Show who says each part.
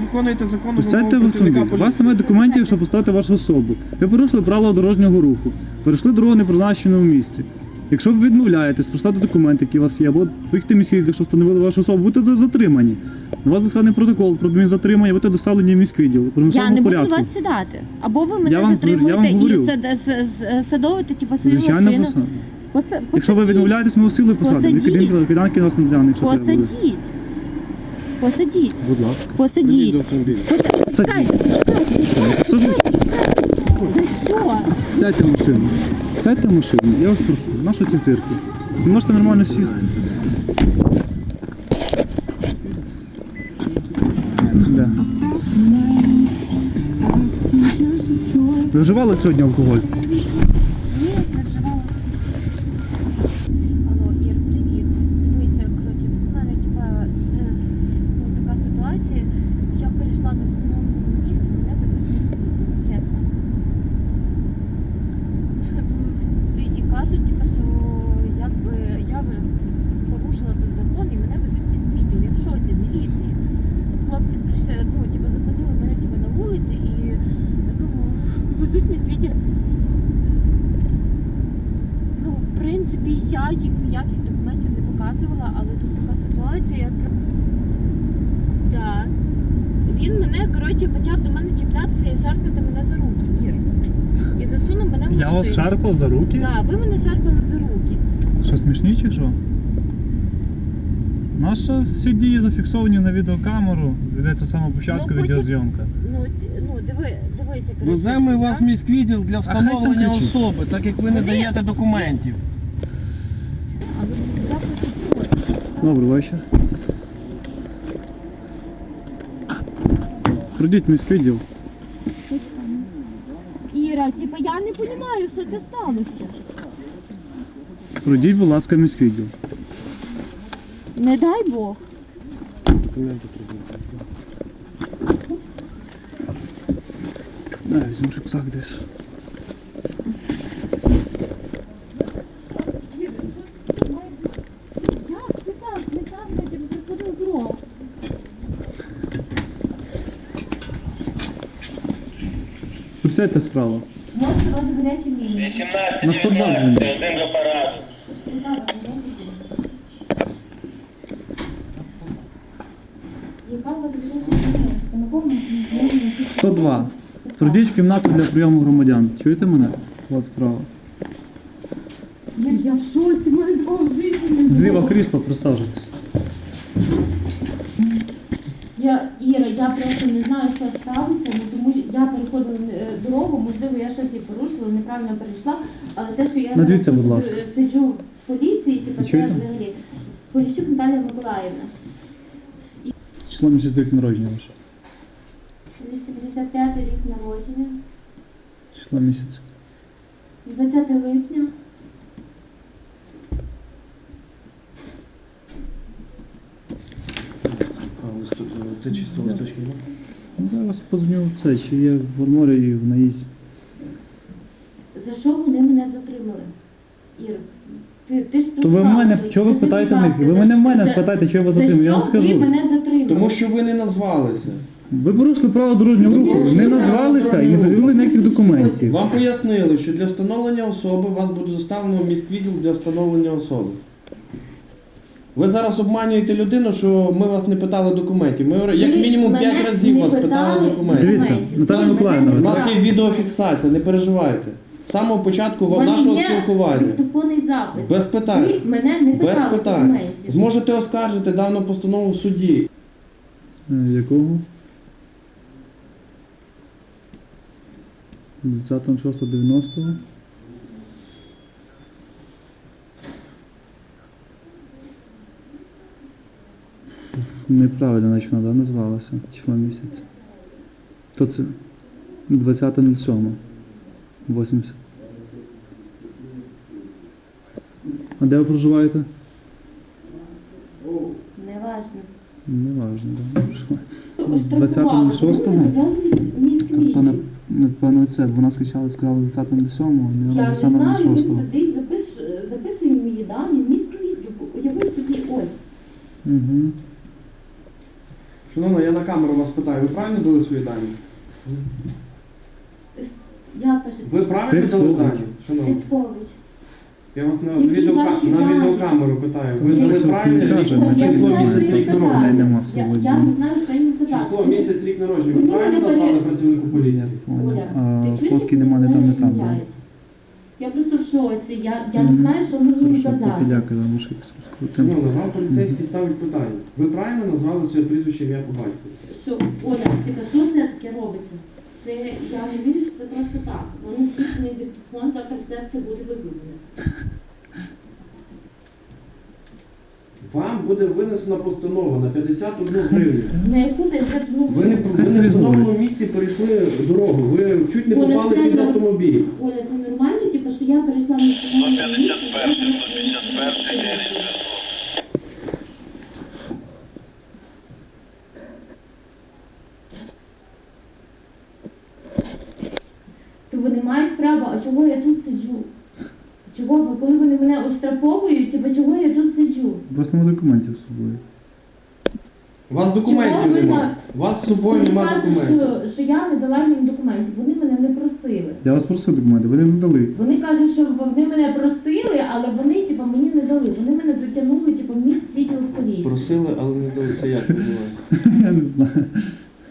Speaker 1: виконуєте законну
Speaker 2: Сядьте
Speaker 1: вимогу
Speaker 2: в
Speaker 1: працівника
Speaker 2: автомобіль. У вас
Speaker 1: поліції.
Speaker 2: немає документів, щоб поставити вашу особу. Ви порушили правила дорожнього руху. Перейшли дорогу не в призначеному місці. Якщо ви відмовляєтесь поставити документи, які у вас є, або поїхати міський, якщо встановили вашу особу, будете затримані. На вас складений протокол про адмінзатримання, будете доставлені в міськвідділ. У
Speaker 3: Я не буду
Speaker 2: порядку.
Speaker 3: вас сідати. Або ви мене
Speaker 2: Я вам
Speaker 3: затримуєте
Speaker 2: говорю.
Speaker 3: і садовуєте типу, свою
Speaker 2: Звичайно,
Speaker 3: машину.
Speaker 2: якщо ви відмовляєтесь, ми вас силою посадимо.
Speaker 3: Посадіть.
Speaker 2: Киданки нас не тягне, якщо треба буде.
Speaker 3: Посадіть. Посадіть.
Speaker 2: Будь ласка.
Speaker 3: Посадіть.
Speaker 2: Садіть. Саджусь.
Speaker 3: За що?
Speaker 2: Сядьте в машину. Сядьте в машину. Я вас прошу. Нащо ці цирки? Ви можете нормально сісти. Да. Ви вживали сьогодні алкоголь?
Speaker 3: Ні, не вживала. Алло, Ір, привіт. Дивися, коротше, тут в мене така ситуація. Я перейшла на встановленому місці, мене везуть в міськвідділ, чесно. І кажуть, що якби я порушила закон і мене везуть в міськвідділ. Я в шоці, міліції. Хлопці прийшли, зупинили мене на вулиці і везуть в міськвідділ. В принципі, я їм ніяких документів не показувала, але тут така ситуація. Да. Він мене, почав до мене чіплятися і шарпати мене за руки, Ір. І засунув мене в машину.
Speaker 2: Я вас шарпав за руки?
Speaker 3: Так, ви мене шарпали за руки.
Speaker 2: Що, смішні чи що? Наші всі дії зафіксовані на відеокамеру. Ведеться з самого початку відеозйомка.
Speaker 3: Дивися.
Speaker 1: Веземо вас в міськвідділ для встановлення
Speaker 2: хай там кричить.
Speaker 1: особи, так як ви не даєте документів.
Speaker 3: А ви як
Speaker 2: Добрий вечір. Пройдіть в міськвідділ.
Speaker 3: Іра, я не розумію, що це сталося.
Speaker 2: Пройдіть, будь ласка, в міськвідділ.
Speaker 3: Не дай Бог.
Speaker 2: Да, візьму рюкзак десь.
Speaker 3: Як це так? Не так, я приходив дорогу.
Speaker 2: Присядьте справа.
Speaker 3: Може, у вас гарячі лінії.
Speaker 4: 18
Speaker 2: На 102 дзвонить.
Speaker 4: режим апарату.
Speaker 3: Яка у вас гаряча лінія? На кому?
Speaker 2: 102. Пройдіть в кімнату для прийому громадян. Чуєте мене? От вправо.
Speaker 3: Я в шоці, мене такого в житті не було.
Speaker 2: Зліва крісло, присаджуйтесь.
Speaker 3: Іра, я просто не знаю, що сталося, тому що я переходила дорогу, можливо, я щось і порушила, неправильно перейшла, але те, що я
Speaker 2: Назвіться, будь ласка.
Speaker 3: сиджу в поліції, це
Speaker 2: Чуєте?
Speaker 3: взагалі. Поліщук Наталія Миколаївна.
Speaker 2: Число місяць рік народження ваше.
Speaker 3: 85-й рік народження,
Speaker 2: Число місяць.
Speaker 3: 20 липня.
Speaker 1: Це чисто листочки.
Speaker 2: Зараз подзвоню в це, чи є в арморі і в наїзд.
Speaker 3: За що вони мене затримали? Ір, ти ж тут
Speaker 2: То ви в
Speaker 3: знала,
Speaker 2: мене,
Speaker 3: то
Speaker 2: чого ви
Speaker 3: скажи,
Speaker 2: питаєте в
Speaker 3: будь
Speaker 2: них?
Speaker 3: ласка,
Speaker 2: Ви мене в мене
Speaker 3: за-
Speaker 2: спитайте, чого ви
Speaker 3: за
Speaker 2: затримали, я вам
Speaker 3: що ви
Speaker 2: скажу.
Speaker 3: мене затримали?
Speaker 1: Тому що ви не назвалися.
Speaker 2: Ви порушили право дорожнього руху, не назвалися і не привели ніяких документів.
Speaker 1: Вам пояснили, що для встановлення особи вас буде доставлено в міськвідділ для встановлення особи. Ви зараз обманюєте людину, що ми вас не питали документів. Ми як мінімум 5 разів вас питали документів.
Speaker 2: Дивіться, Наталя Миколаївна,
Speaker 1: У нас є відеофіксація, не переживайте. З самого початку нашого спілкування.
Speaker 3: Диктофонний запис.
Speaker 1: Без питань.
Speaker 3: Ви мене не
Speaker 1: Без
Speaker 3: питали
Speaker 1: питань.
Speaker 3: документів.
Speaker 1: Зможете оскаржити дану постанову в суді.
Speaker 2: Якого? 20.06.90. Неправильно, значить вона назвалася. Число місяця. То це 20.07. 80. А де ви проживаєте?
Speaker 3: Неважно.
Speaker 2: Неважно, де ви проживаєте.
Speaker 3: Штрафували.
Speaker 2: 20.06?
Speaker 3: Міськвідділ.
Speaker 2: Тобто, напевно, це, бо вона скачала, сказала 20.07,
Speaker 3: Я
Speaker 2: не
Speaker 3: не
Speaker 2: саме на
Speaker 3: знаю,
Speaker 2: 6.
Speaker 3: він сидить, записує мої дані, міськвідділ. Уяви собі, ой.
Speaker 2: Угу.
Speaker 1: Шановна, я на камеру вас питаю, ви правильно дали свої дані?
Speaker 3: Я кажу,
Speaker 1: Ви правильно дали дані? Шановна,
Speaker 3: Тицькович.
Speaker 1: я вас на,
Speaker 3: Які ваші
Speaker 1: на
Speaker 3: дані?
Speaker 1: відеокамеру питаю. Ви
Speaker 3: Ні,
Speaker 1: дали
Speaker 2: що
Speaker 1: правильно
Speaker 2: він каже,
Speaker 1: рік,
Speaker 2: ми
Speaker 1: число
Speaker 2: чуємо,
Speaker 1: місяць,
Speaker 2: що
Speaker 1: рік
Speaker 2: він
Speaker 1: народження?
Speaker 2: казав. Нема
Speaker 3: Я
Speaker 2: сьогодні.
Speaker 3: не знаю, що їм казати.
Speaker 1: Число місяць, рік народження. Ви
Speaker 3: Вони
Speaker 1: правильно
Speaker 3: мене
Speaker 1: назвали працівнику поліції?
Speaker 3: Оля,
Speaker 2: А
Speaker 3: ти чуєш,
Speaker 2: фотки
Speaker 3: як
Speaker 2: нема, не
Speaker 3: вони
Speaker 2: там, не
Speaker 3: мене
Speaker 2: там.
Speaker 3: розмовляють? Я просто в шоці. Я не знаю, що мені їм казати.
Speaker 2: Дякую, вам ще скрутимо.
Speaker 1: Шановна, вам поліцейський ставить питання. Ви правильно назвали своє прізвище, ім'я по батькові?
Speaker 3: Що, Оля, типа, що це таке робиться? Це я не вірю, що це просто так. Вони включений диктофон, завтра це все буде виглядно.
Speaker 1: Вам буде винесена постанова на 51 гривню.
Speaker 3: На яку ти вже
Speaker 1: Ви не в встановленому місці перейшли дорогу. Ви чуть не
Speaker 3: Оля,
Speaker 1: попали
Speaker 3: це
Speaker 1: під
Speaker 3: норм-
Speaker 1: автомобіль.
Speaker 3: Оля, це нормально, типу, що я перейшла на встановленому місці?
Speaker 4: 151
Speaker 3: То вони мають право, а чого я тут сиджу? Чого, коли вони мене оштрафовують, типу, чого я тут сиджу?
Speaker 2: У вас нема документів з собою.
Speaker 1: У вас
Speaker 3: Чого
Speaker 1: документів
Speaker 3: ви
Speaker 1: немає.
Speaker 3: так?
Speaker 1: У вас з собою
Speaker 3: Вони
Speaker 1: немає
Speaker 3: кажуть,
Speaker 1: документів.
Speaker 3: що я не дала їм документів, вони мене не просили.
Speaker 2: Я вас просив документи, ви не надали.
Speaker 3: Вони кажуть, що вони мене просили, але вони, типу, мені не дали. Вони мене затягнули, типу, в міст відділ поліції.
Speaker 1: Просили, але не дали. Це як?